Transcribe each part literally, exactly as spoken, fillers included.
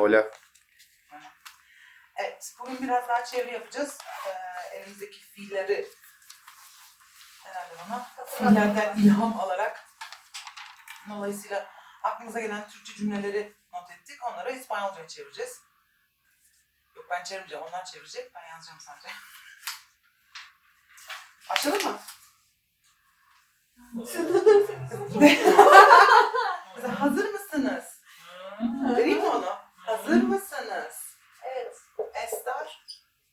Hola. Evet, bugün biraz daha çeviri yapacağız. Ee, elimizdeki fiilleri herhalde bana fiillerden ilham alarak dolayısıyla aklımıza gelen Türkçe cümleleri not ettik. Onları İspanyolca'ya çevireceğiz. Yok ben çevirmeyeceğim, onlar çevirecek. Ben yazacağım sadece. Başlayalım mı? Hazır mısınız? Vereyim mi onu? Hazır mısınız? Evet. Estar.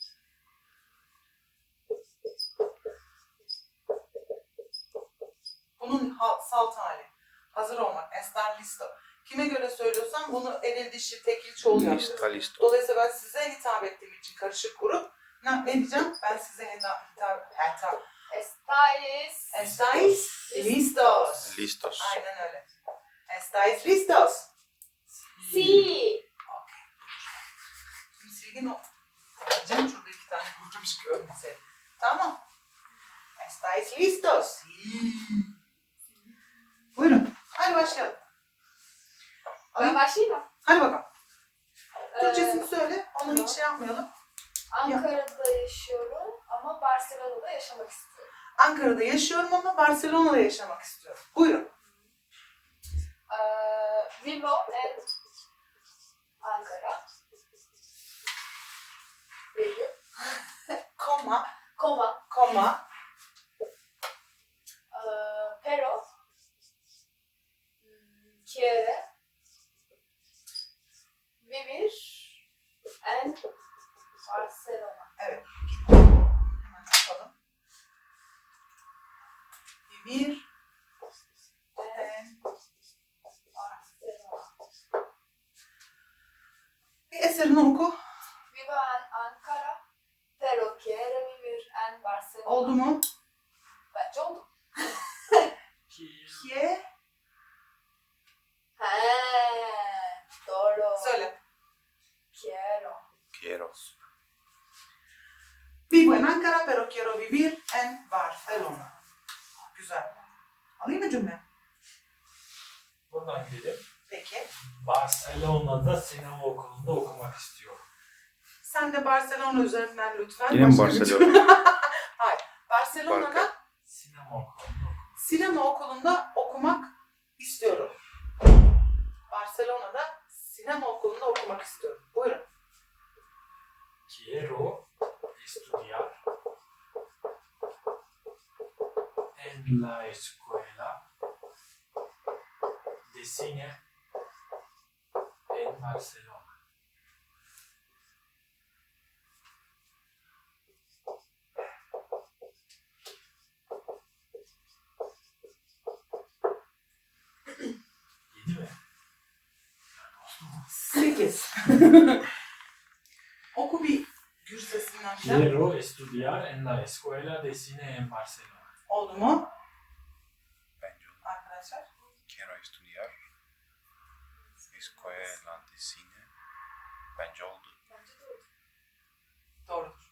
Bunun ha- salt hali. Hazır olmak. Estar listo. Kime göre söylüyorsam bunu eril dişi tekil çoğul Lista yapıyorum. listo. Dolayısıyla ben size hitap ettiğim için karışık grup. Ne, ne diyeceğim? Ben size hitap, hitap, hitap. Estáis. Estáis listos. Listos. Aynen öyle. Estáis listos. Sí. Şimdi silgin o. Diyeceğim şurada iki tane kurtulmuş görmese. Tamam. Estáis listos. Buyurun. Hadi başlayalım. Ben başlayayım mı? Hadi bakalım. Ee, Türkçesini söyle. Onu tamam. hiç şey yapmayalım. Ankara'da yaşıyorum ama Barcelona'da yaşamak istiyorum. Ankara'da yaşıyorum ama Barcelona'da yaşamak istiyorum. Buyurun. Ee, vivo en Ankara. Virgül. Koma, Coma. koma, Ee, pero. hmm, Quiere. Vivir en Barcelona. evet. Hemen yapalım. Bir, En Barcelona. bir eserini oku. Vivo en Ankara, pero quiere vivir en Barcelona. Oldu mu? Bence oldu. Kie, He, doğru. söyle. Quiero. Quiero. Vivo en Ankara pero quiero vivir en Barcelona. Güzel. Alayım mı cümle? Buradan gidelim. Peki. Barcelona'da sinema okulunda okumak istiyorum. Sen de Barcelona üzerinden lütfen. Yine mi başka bir Barcelona? cümle. Hayır. Barcelona'da Barca. Sinema okulunda sinema okulunda okumak istiyorum. Barcelona'da sinema okulunda okumak istiyorum. Buyurun. quiero estudiar en la escuela de cine en Barcelona. Yedi mi? Sekiz. Oku bir gür sesinden. Quiero estudiar en la escuela de cine en Barcelona. Oldu mu Bence oldu. arkadaşlar? Quiero estudiar. Escuela de cine. Bence oldu. Bence de oldu. Doğrudur.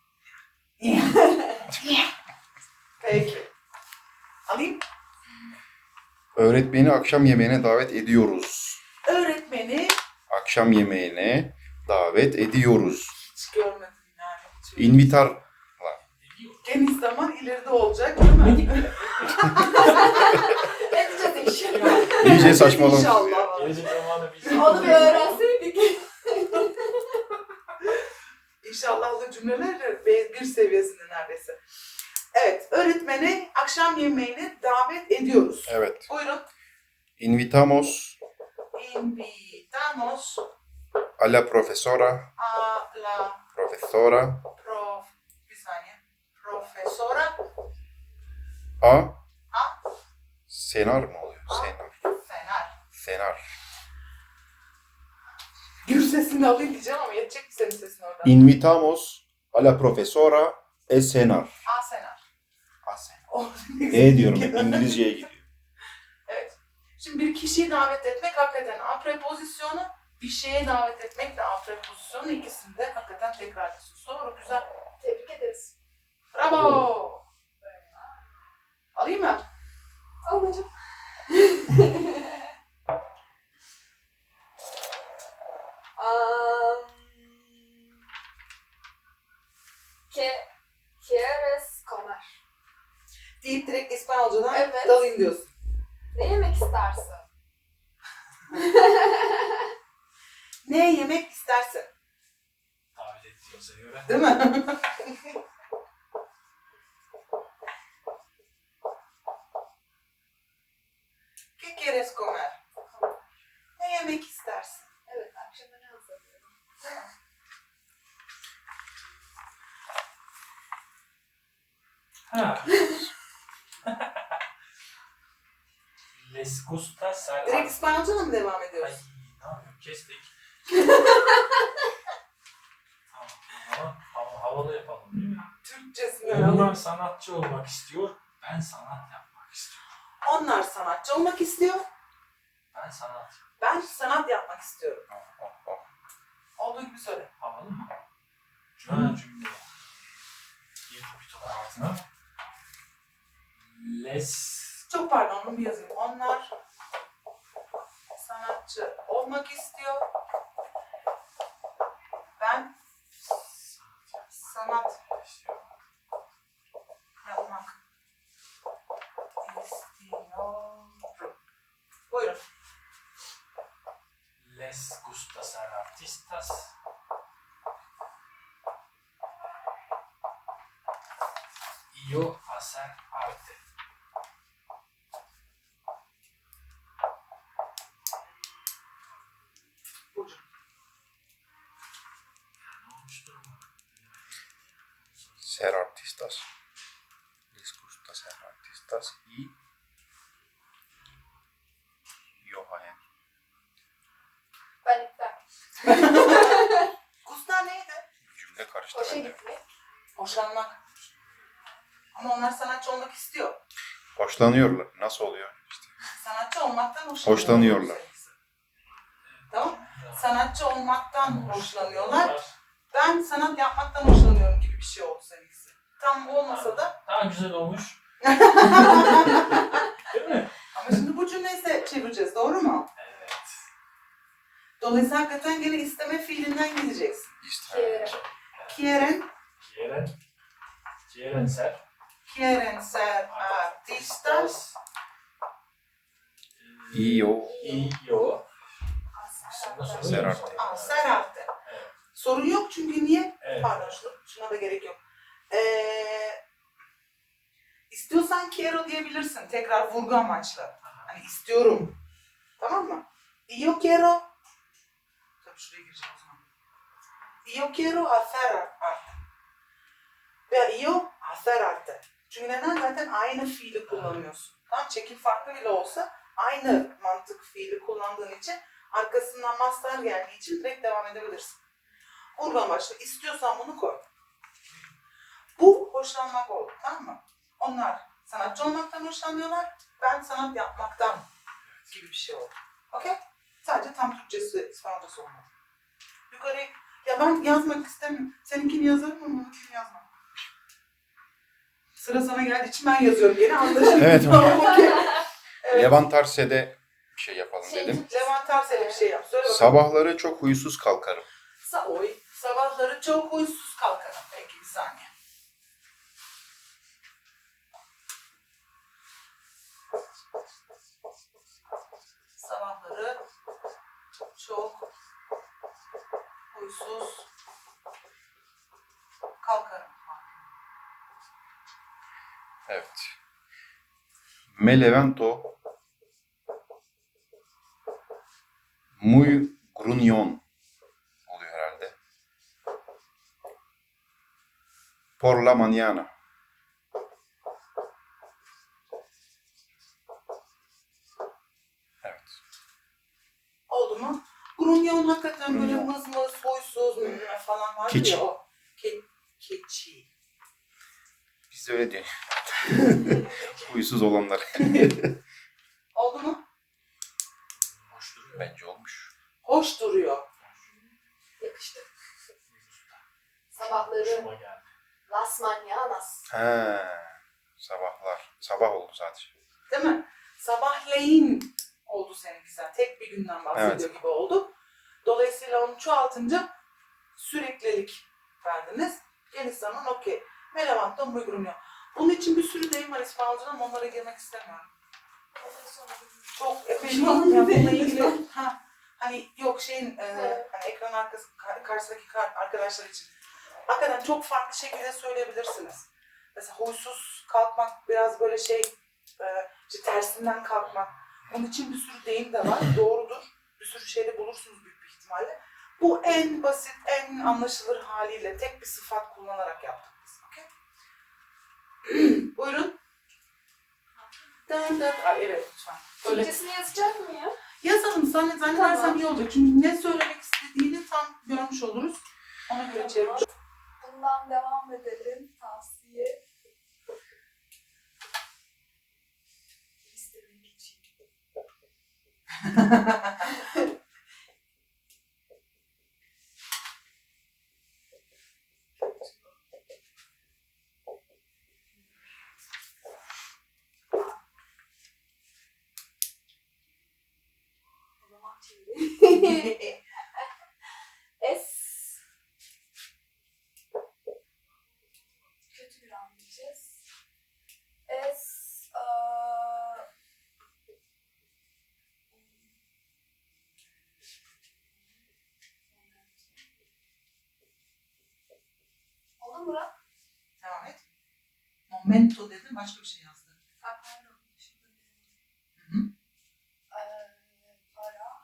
Peki. Alayım. Öğretmeni akşam yemeğine davet ediyoruz. Öğretmeni Akşam yemeğine davet ediyoruz. hiç görmedim yani. Hiç Invitar. Geniş zaman ileride olacak değil mi? Ne diyeceğiz inşallah. İyice saçmalamış. İnşallah. Gelecek zamanı bir Onu bir öğrenseydik. İnşallahlı cümleler de B bir seviyesinde neredeyse. Evet, öğretmeni akşam yemeğine davet ediyoruz. Evet. Buyurun. Invitamos Invitamos a la profesora, a la profesora, prof... Bir saniye. Profesora a a cenar mı oluyor? A. Cenar. Fener. Cenar. Gür sesini alayım diyeceğim ama yetecek mi senin sesin orada? Invitamos a la profesora a cenar. A Senar. A cenar. O- E diyorum hep İngilizceye gidiyor. Evet. Şimdi bir kişiyi davet etmek hakikaten a prepozisyonu, bir şeye davet etmek de a prepozisyonu, ikisini de hakikaten tekrar ediyorsun. Doğru, güzel. Tebrik ederiz. Bravo. Alayım mı? Ablacığım. Aa, deyip direkt İspanyolcadan Evet. dalayım diyorsun. Ne yemek istersin? Ne yemek istersin? Davet ettiğimize göre. Değil mi? ¿Qué quieres comer? Ne yemek istersin? Evet, akşama ne hazırlıyorum? Ha. Les gusta ser... Direkt İspanyolcadan mı devam Ay, ediyoruz? ne yapıyorum? Kestik. Tamam. Ama hava- havalı yapalım değil mi? Türkçesini Onlar alalım. sanatçı olmak istiyor. Ben sanat yapmak istiyorum. Onlar sanatçı olmak istiyor. Ben sanat. Ben sanat yapmak istiyorum. Oh, oh, oh. Olduğu gibi söyle. Havalı mı? Cümle cümle. Bir topun altına. Les... Çok pardon, onu bir yazayım. Onlar sanatçı olmak istiyor. Ben sanat yapmak istiyorum. Buyurun. Les gusta ser artistas. Y yo hacer arte. Burcu. Ne olmuştur ama? Ser artistas. Les gusta ser artistas y Johan. Ben iptal. Gusta neydi? Cümle karıştı Hoşa bende. gitmek. Hoşlanmak. Ama onlar sanatçı olmak istiyor. Hoşlanıyorlar. Nasıl oluyor? İşte. Sanatçı olmaktan hoşlanıyorlar. Hoşlanıyorlar. Tamam. Sanatçı olmaktan hoşlanıyorlar. Ben sanat yapmaktan hoşlanıyorum gibi bir şey oldu seninkisi. Tam olmasa da. Daha güzel olmuş. Değil mi? Ama şimdi bu cümleyi de çevireceğiz. Doğru mu? Evet. Dolayısıyla hakikaten gene isteme fiilinden gideceksin. İşte. Quieren, Quieren. Quieren ser. quieren ser artistas. Y yo Y yo. Aslında ser arte. Ah, ser arte. Evet. Sorun yok çünkü niye? Evet. Pardon şuna, şuna da gerek yok. Ee, istiyorsan quiero diyebilirsin. Tekrar vurgu amaçlı. Hani istiyorum. Tamam mı? Yo quiero. Tabii şuraya gireceğim o zaman. Yo quiero hacer arte. Veya yo hacer arte. Çünkü neden? Zaten aynı fiili kullanıyorsun. Tamam, çekim farklı bile olsa aynı mantık fiili kullandığın için arkasından master geldiği için direkt devam edebilirsin. Vurgu amaçlı. İstiyorsan bunu koy. Bu hoşlanmak oldu. Tamam mı? Onlar sanatçı olmaktan hoşlanıyorlar. Ben sanat yapmaktan gibi bir şey oldu. Okey? Sadece tam Türkçesi, İspanyolcası olmadı. Yukarı, ya ben yazmak istemiyorum. Seninkini yazarım ama onunkini yazmam. Sıra sana geldiği için ben yazıyorum. Yine anlaşıldı. Evet. Tamam, okey. Evet. Levant Arse'de bir şey yapalım Şey, dedim. Levent Arsel'e bir şey yap. Söyle bakalım. Sabahları çok huysuz kalkarım. Sa oy. Sabahları çok huysuz kalkarım. Peki bir saniye. Sabahları çok huysuz kalkarım. Evet. Me levanto muy gruñón oluyor herhalde. Por la mañana. Evet. Oldu mu? Grunyon hakikaten böyle Grunyon. mız mız, huysuz mı falan vardı Keçi. ya o. Ke keçi. Biz de öyle diyor. Huysuz olanlar. Oldu mu? Hoş duruyor. Bence olmuş. Hoş duruyor. yakıştı. Sabahları Hoşuma geldi. las mañanas. He. Sabahlar. Sabah oldu sadece. Değil mi? Sabahleyin oldu seninki zaten. Tek bir günden bahsediyor gibi oldu. Dolayısıyla onu çoğaltınca süreklilik verdiniz. Geniş zaman okey. Me levanto muy gruñón. Bunun için bir sürü deyim var İspanyolca'da ama onlara girmek istemiyorum. Çok epey Şu an ya bununla değil. ilgili ha hani yok şeyin e, Evet. hani ekran arkası kar- karşısındaki kar- arkadaşlar için hakikaten çok farklı şekilde söyleyebilirsiniz. Mesela huysuz kalkmak biraz böyle şey e, işte tersinden kalkmak. Onun için bir sürü deyim de var. Doğrudur. Bir sürü şeyde bulursunuz büyük bir ihtimalle. Bu en basit, en anlaşılır haliyle tek bir sıfat kullanarak yaptık biz. Okay? Buyurun. Dön dön. Ay evet lütfen. Böyle Türkçesini yazacak mı ya? yazalım zannet zannedersem Tamam. iyi olacak. Çünkü ne söylemek istediğini tam görmüş oluruz. Ona göre çevirmiş. Bundan devam edelim. Tavsiye. İstemek için. O zaman çevireyim. Es. Kötü bir an diyeceğiz. Es. eee, Oldu mu Burak? Devam et. Momento dedim başka bir şey yazdı. Ha, pardon. Şurada bir- Hı hı. Eee, para.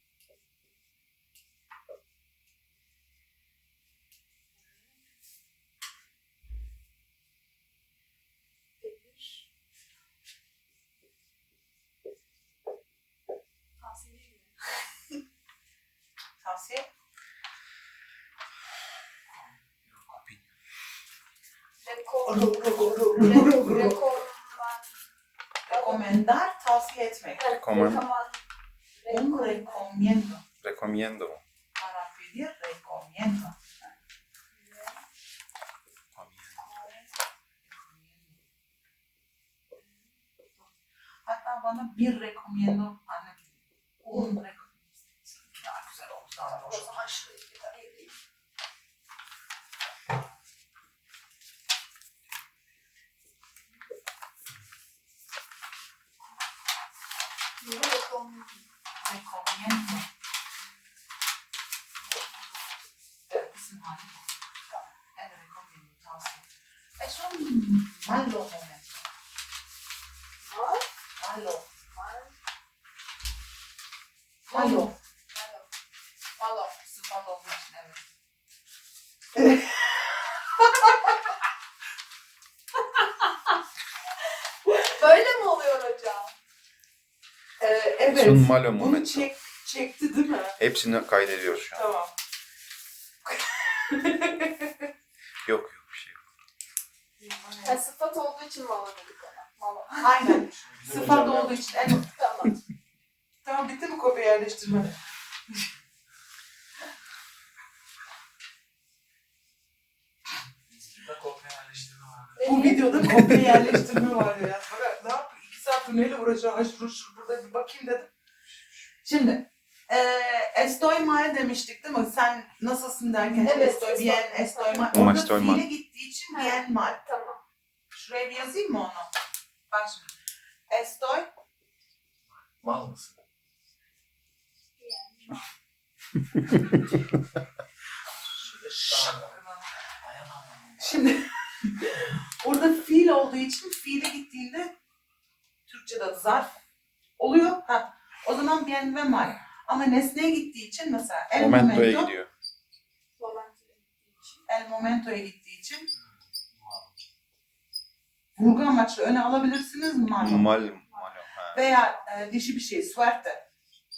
Pedir. Tavsiye gibi. Tavsiye. Rekor. Re- Rekor. Rekomendar, tavsiye etmek. Rekomen- Rekoman. Un recomiendo. Recomiendo. Para pedir, recomiendo. Hatta bana bir recomiendo anne. Un recomiendo. Daha güzel oldu. Daha hoş O oldu. zaman şurayı bir daha ayırayım. Rekom. Recomiendo. Evet, isim hali bu. El recomiendo, tavsiye. Es un malo momento. Var. Malo. Var. Malo. Malo. Malo. Sıfat olduğu için evet. Böyle mi oluyor hocam? Ee, evet. Es un malo Bunu momento. çek, çekti değil mi? Hepsini kaydediyoruz şu an. Tamam. Yok yok bir şey yok. Ha, sıfat olduğu için malo dedik ona. Malo. Aynen. Bizim Sıfat hocam olduğu için en... Tamam. Tamam bitti mi kopya yerleştirme? Bizde kopya yerleştirme var. Bu videoda kopya yerleştirme var ya. Bak, ne yapayım? İki saat neyle uğraşacağım? Ay şur şur burada bir bakayım dedim. Şimdi eee estoy mal demiştik değil mi? Sen nasılsın derken Evet, estoy estoy. bien, estoy mal. Ama Orada estoy mal. fiile gittiği için Ha. bien mal. Tamam. Şuraya bir yazayım mı onu? Bak şimdi. Estoy Mal mısın? Yani. Dayanamam. Şimdi orada fiil olduğu için fiile gittiğinde Türkçe'de adı zarf oluyor. Ha, o zaman bien ve mal. Ama nesneye gittiği için mesela el Momento'ya momento, gidiyor. Momento'ya gittiği için. el momento'ya gittiği için Mal. vurgu amaçlı öne alabilirsiniz mal. Mal, malo. Ha. Veya e, dişi bir şey suerte.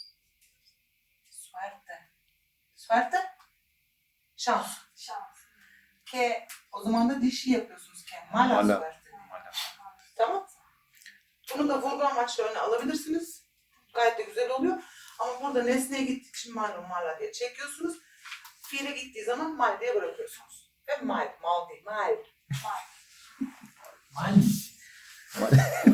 Suerte. Suerte. Şans. Şans. Ke o zaman da dişi yapıyorsunuz ke. Mala Mala. suerte. Malo. Tamam. Bunu da vurgu amaçlı öne alabilirsiniz. Gayet de güzel oluyor. Ama burada nesneye gittiği için malum mala diye çekiyorsunuz. Fiile gittiği zaman mal diye bırakıyorsunuz. Ve mal, mal değil, mal. Mal mısın?